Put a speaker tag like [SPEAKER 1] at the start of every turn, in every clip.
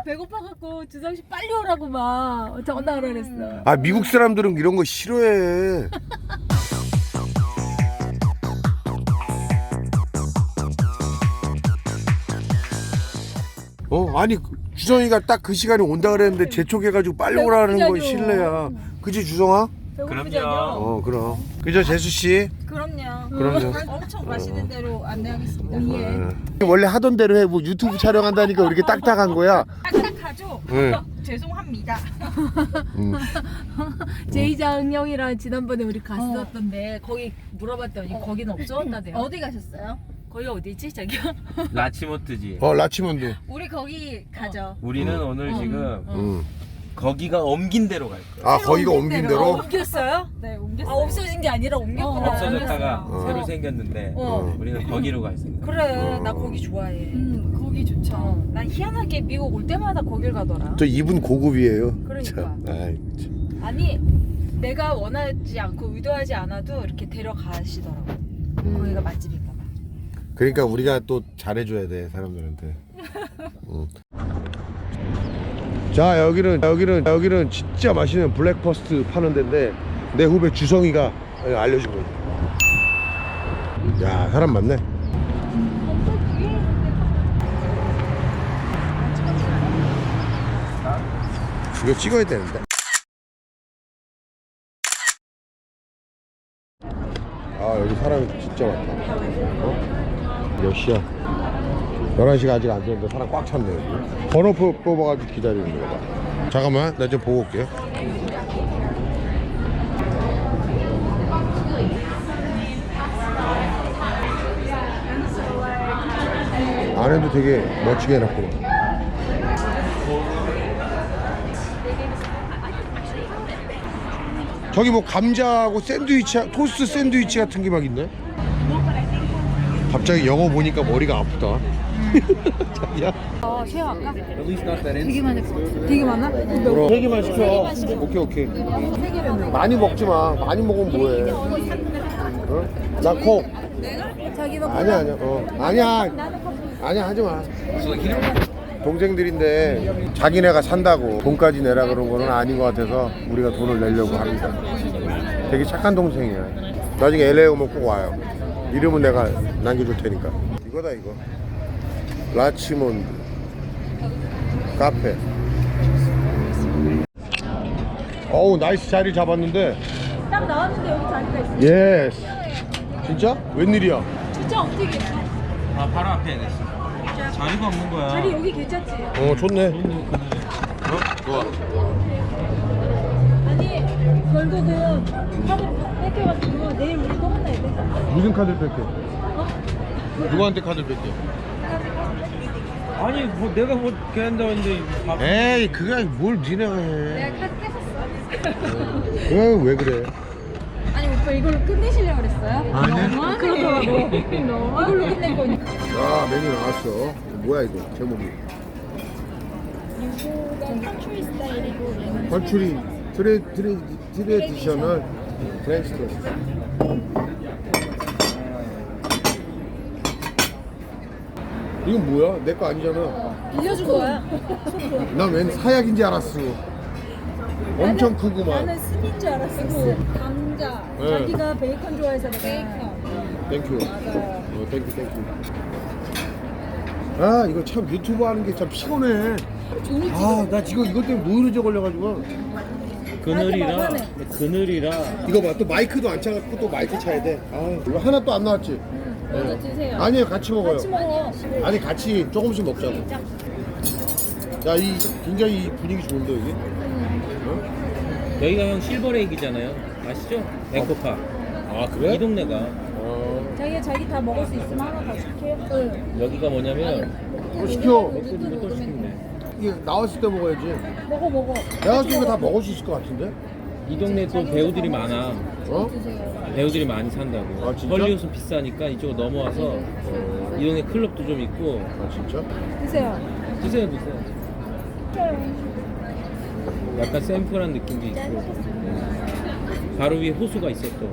[SPEAKER 1] 배고파갖고 주성씨 빨리 오라고 막 전화를 그랬어.
[SPEAKER 2] 아 미국 사람들은 이런 거 싫어해. 아니 주성이가 딱 그 시간에 온다 그랬는데 재촉해가지고 빨리 오라는 건 실례야. 그치 주성아?
[SPEAKER 1] 그럼요.
[SPEAKER 2] 그럼. 그죠 재수 씨?
[SPEAKER 3] 그럼요. 엄청 맛있는 대로 안내하겠습니다.
[SPEAKER 2] 원래 하던 대로 해. 뭐 유튜브 촬영한다니까 왜 이렇게 딱딱한 거야?
[SPEAKER 3] 딱딱하죠?
[SPEAKER 2] 네.
[SPEAKER 3] 죄송합니다.
[SPEAKER 1] 제이장 형이랑 지난번에 우리 갔었던데 거기 물어봤더니 거기는 없었다대요.
[SPEAKER 3] 어디 가셨어요?
[SPEAKER 1] 거기 어디지 저기요?
[SPEAKER 4] 라치모트지.
[SPEAKER 2] 라치몬드.
[SPEAKER 3] 우리 거기 가죠.
[SPEAKER 4] 우리는 오늘 지금 거기가 옮긴 대로 갈 거야.
[SPEAKER 2] 아 거기가 옮긴 대로?
[SPEAKER 1] 옮겼어요?
[SPEAKER 3] 네, 옮겼어요.
[SPEAKER 1] 없어진 게 아니라 옮겼구나.
[SPEAKER 4] 없어졌다가
[SPEAKER 2] 옮겼어요.
[SPEAKER 4] 새로 생겼는데 우리는 거기로 갈 생각.
[SPEAKER 1] 그래 나 거기 좋아해.
[SPEAKER 3] 거기 좋죠.
[SPEAKER 1] 난 희한하게 미국 올 때마다 거길 가더라.
[SPEAKER 2] 저 이분 고급이에요.
[SPEAKER 1] 그러니까.
[SPEAKER 2] 참. 아이, 참.
[SPEAKER 1] 아니 내가 원하지 않고 의도하지 않아도 이렇게 데려가시더라고. 거기가 맛집인가 봐.
[SPEAKER 2] 그러니까 우리가 또 잘해줘야 돼 사람들한테. 자 여기는 진짜 맛있는 블랙퍼스트 파는 데인데 내 후배 주성이가 알려준 거지. 야 사람 많네. 이거 찍어야 되는데. 아 여기 사람이 진짜 많다. 몇 시야? 11시가 아직 안 됐는데 사람 꽉 찼네 여기. 번호 뽑아가지고 기다리는 거다. 잠깐만 나 좀 보고 올게요. 안에도 되게 멋지게 해놨구만. 저기 뭐 감자하고 샌드위치, 토스트 샌드위치 같은 게 막 있네. 갑자기 영어 보니까 머리가 아프다. 자기야?
[SPEAKER 1] 쉐어 할까? 되게 많을 것 같아. 되게 많아?
[SPEAKER 2] 그럼 3개만 시켜. 오케이. 많이 먹지 마. 많이 먹으면 뭐해? 어? 나 콕.
[SPEAKER 1] 자기도
[SPEAKER 2] 아니야 하지 마. 동생들인데 자기네가 산다고 돈까지 내라 그런 거는 아닌 것 같아서 우리가 돈을 내려고 합니다. 되게 착한 동생이야. 나중에 LA 오면 꼭 와요. 이름은 내가 남겨줄 테니까. 이거다 이거. 라치몬드 카페. 어우 나이스 자리 잡았는데.
[SPEAKER 1] 딱 나왔는데 여기 자리가 있어.
[SPEAKER 2] 예스. 진짜? 웬일이야?
[SPEAKER 1] 진짜 어떻게 있어?
[SPEAKER 4] 아 바로 앞에 있어. 자리가 없는 거야.
[SPEAKER 1] 자리 여기 괜찮지?
[SPEAKER 2] 좋네. 좋아.
[SPEAKER 1] 아니 결국은 카드 뺏겨가지고 내일 우리 또 만나야 돼.
[SPEAKER 2] 무슨 카드를 뺄게? 누구한테 카드를 뺄게?
[SPEAKER 4] 아니 뭐 내가 뭐 걔한다고 했는데
[SPEAKER 2] 에이 그게 뭘 니네가 해.
[SPEAKER 3] 내가 카드 뺏었어.
[SPEAKER 2] 왜 그래?
[SPEAKER 3] 아니 오빠 이걸로 끝내시려고 그랬어요?
[SPEAKER 1] 너무하네. 그러더라고. 이걸로 끝낼 거니까.
[SPEAKER 2] 아 메뉴 나왔어. 뭐야 이거 제목이?
[SPEAKER 3] 이거가 컨트리 스타일이고
[SPEAKER 2] 컨츄리 트레디셔널 프렌치 토스트. 이건 뭐야? 내 거 아니잖아.
[SPEAKER 1] 빌려준 거야.
[SPEAKER 2] 난 웬 사약인지 알았어. 엄청 크구만.
[SPEAKER 1] 나는 스미인 줄 알았어. 감자.
[SPEAKER 2] 네.
[SPEAKER 1] 자기가 베이컨 좋아해서 내가.
[SPEAKER 2] 땡큐. 땡큐. 아 이거 참 유튜브 하는 게 참 피곤해. 나 지금 이것 때문에 노이로제 걸려가지고.
[SPEAKER 4] 그늘이라
[SPEAKER 2] 이거 봐, 또 마이크도 안 차갖고 또 마이크 차야 돼. 이거 하나 또 안 나왔지?
[SPEAKER 1] 이거 드세요.
[SPEAKER 2] 아니에요, 같이 먹어요.
[SPEAKER 1] 같이 먹어.
[SPEAKER 2] 아니 같이 조금씩 먹자고. 야, 이 굉장히 분위기 좋은데 여기?
[SPEAKER 4] 여기가 형 실버레이크잖아요. 아시죠? 앵코파.
[SPEAKER 2] 아 그래?
[SPEAKER 4] 이 동네가
[SPEAKER 1] 자기 다 먹을 수 있으면 하나 더 시켜요. 응.
[SPEAKER 4] 여기가 뭐냐면
[SPEAKER 2] 또 시켜.
[SPEAKER 4] 또 시키네.
[SPEAKER 2] 이게 나왔을 때 먹어야지.
[SPEAKER 1] 먹어.
[SPEAKER 2] 내가 봤을 때 다 먹을 수 있을 것 같은데?
[SPEAKER 4] 이 동네 또 배우들이 많아.
[SPEAKER 2] 어?
[SPEAKER 4] 배우들이 많이 산다고.
[SPEAKER 2] 아, 진짜?
[SPEAKER 4] 헐리우드는 비싸니까 이쪽으로 넘어와서 이 동네 클럽도 좀 있고.
[SPEAKER 2] 아 진짜?
[SPEAKER 1] 드세요.
[SPEAKER 4] 드세요. 약간 샘플한 느낌도 있고. 바로 위에 호수가 있어 또.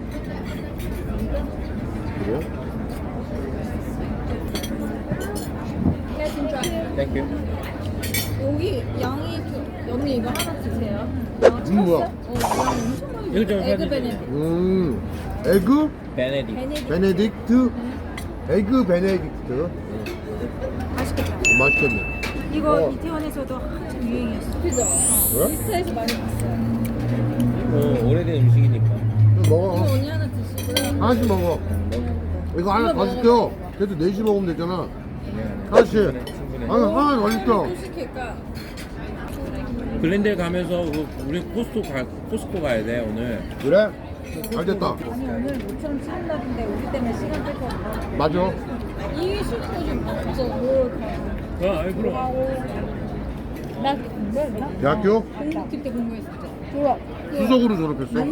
[SPEAKER 2] 그래요?
[SPEAKER 4] 땡큐.
[SPEAKER 3] 여기 양이 언니 이거 하나 드세요.
[SPEAKER 2] 뭐야?
[SPEAKER 3] 양 엄청 많이.
[SPEAKER 4] 이거 좀
[SPEAKER 3] 에그
[SPEAKER 4] 사주세요.
[SPEAKER 3] 베네딕.
[SPEAKER 2] 에그
[SPEAKER 4] 베네딕.
[SPEAKER 2] 베네딕트. 에그 베네딕트.
[SPEAKER 1] 맛있겠다.
[SPEAKER 2] 맛있겠네.
[SPEAKER 1] 이거 이태원에서도 한참 유행이었어.
[SPEAKER 3] 그죠?
[SPEAKER 2] 왜?
[SPEAKER 3] 인스타에서 많이 봤어요.
[SPEAKER 4] 오래된 음식이니까.
[SPEAKER 2] 이거 먹어.
[SPEAKER 3] 이거 언니 하나 드시고.
[SPEAKER 2] 하나씩 먹어. 이거 하나 더 시켜. 그래도 4시 먹으면 되잖아. 하나씩.
[SPEAKER 4] 충분해.
[SPEAKER 2] 하나 더 시켜.
[SPEAKER 3] 또 시킬까?
[SPEAKER 4] 글렌델 가면서 우리 코스코 가야 돼 오늘.
[SPEAKER 2] 그래? 잘 됐다.
[SPEAKER 1] 아니 오늘 모처럼 치는 날인데 우리 때문에 시간 뺄거 없어.
[SPEAKER 2] 맞아.
[SPEAKER 3] 이 슈퍼 좀 없어. 뭘 가.
[SPEAKER 4] 아이 그럼.
[SPEAKER 3] 나 공부했나?
[SPEAKER 2] 대학교
[SPEAKER 3] 공부팀 때 공부했었죠. 좋아.
[SPEAKER 2] 수석으로 졸업했어.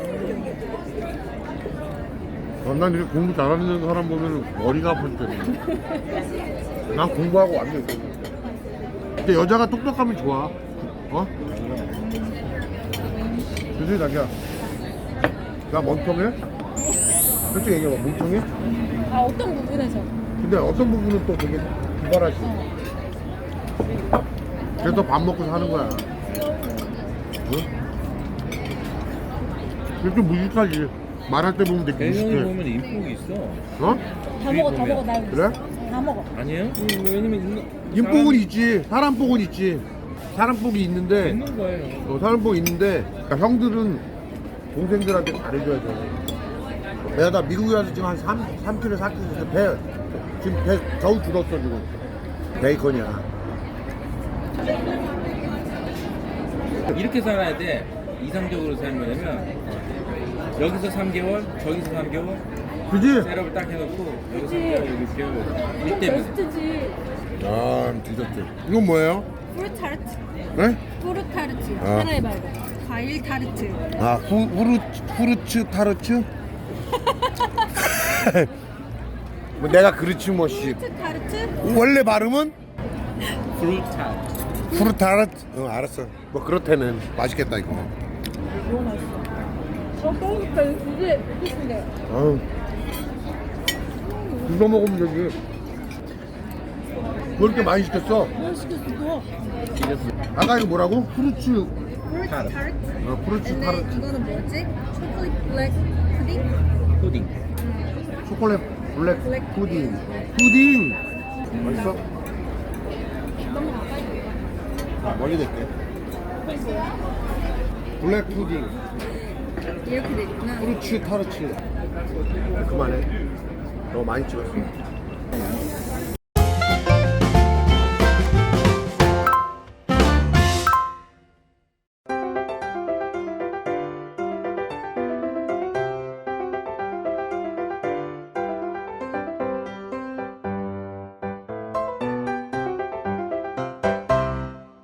[SPEAKER 2] 난 이렇게 공부 잘하는 사람 보면 머리가 아플 때는. 난 공부하고 완전. 근데 여자가 똑똑하면 좋아. 어? 그지 자기야. 나 멍청해? 솔직히 얘기해봐. 멍청해?
[SPEAKER 3] 아 어떤 부분에서?
[SPEAKER 2] 근데 어떤 부분은 또 되게 기발하지. 그래서 밥 먹고 사는 거야. 응? 그게 좀 무식하지. 말할 때 보면 되게
[SPEAKER 4] 대형이
[SPEAKER 2] 무식해.
[SPEAKER 4] 보면 인복이 있어.
[SPEAKER 2] 어?
[SPEAKER 3] 다 먹어 다 먹어 나
[SPEAKER 2] 그래?
[SPEAKER 3] 다 먹어.
[SPEAKER 4] 아니에요? 왜냐면
[SPEAKER 2] 인복은 있지. 사람 복은 있지. 사람 복이 있는데,
[SPEAKER 4] 있는 거예요.
[SPEAKER 2] 사람 복이 있는데, 그러니까 형들은 동생들한테 잘해줘야 돼. 내가 나 미국에 와서 지금 한 3kg, 4kg 배, 지금 배 겨우 줄었어, 지금. 베이컨이야.
[SPEAKER 4] 이렇게 살아야 돼. 이상적으로 살려면 여기서 3개월, 저기서 3개월
[SPEAKER 2] 그지?
[SPEAKER 4] 셋업을 딱 해놓고 여기서 3개월 여기 배우고 일 때문에.
[SPEAKER 3] 베스트지.
[SPEAKER 2] 아, 디저트. 이건 뭐예요?
[SPEAKER 3] 프루트 타르트.
[SPEAKER 2] 네?
[SPEAKER 3] 프루트 타르트.
[SPEAKER 2] 아.
[SPEAKER 3] 하나 해봐 이거. 과일 타르트.
[SPEAKER 2] 아, 후르츠 타르츠? 뭐 내가 그렇지 뭐 씨.
[SPEAKER 3] 프루트 타르트.
[SPEAKER 2] 원래 발음은
[SPEAKER 4] 프루타.
[SPEAKER 2] 후르타르트. 알았어. 뭐 그렇다는 맛있겠다 이거.
[SPEAKER 3] 그러니까 이게 맛있는데.
[SPEAKER 2] 아유. 이거 먹으면 되지. 뭐 이렇게 많이 시켰어?
[SPEAKER 3] 뭘 시켰어?
[SPEAKER 2] 아까 이거 뭐라고? 후르츠.
[SPEAKER 3] 프루트 타르트.
[SPEAKER 2] 후르츠
[SPEAKER 3] 근데
[SPEAKER 2] 타르트.
[SPEAKER 3] 이거는 뭐지? 초콜릿 블랙 푸딩?
[SPEAKER 4] 푸딩.
[SPEAKER 2] 초콜릿 블랙
[SPEAKER 3] 블랙
[SPEAKER 2] 푸딩. 푸딩. 맛있어? 멀리 댈게. 블랙 푸딩.
[SPEAKER 3] 이렇게 돼 있구나.
[SPEAKER 2] 후르츠 타르츠. 그만해. 너무 많이 찍었어.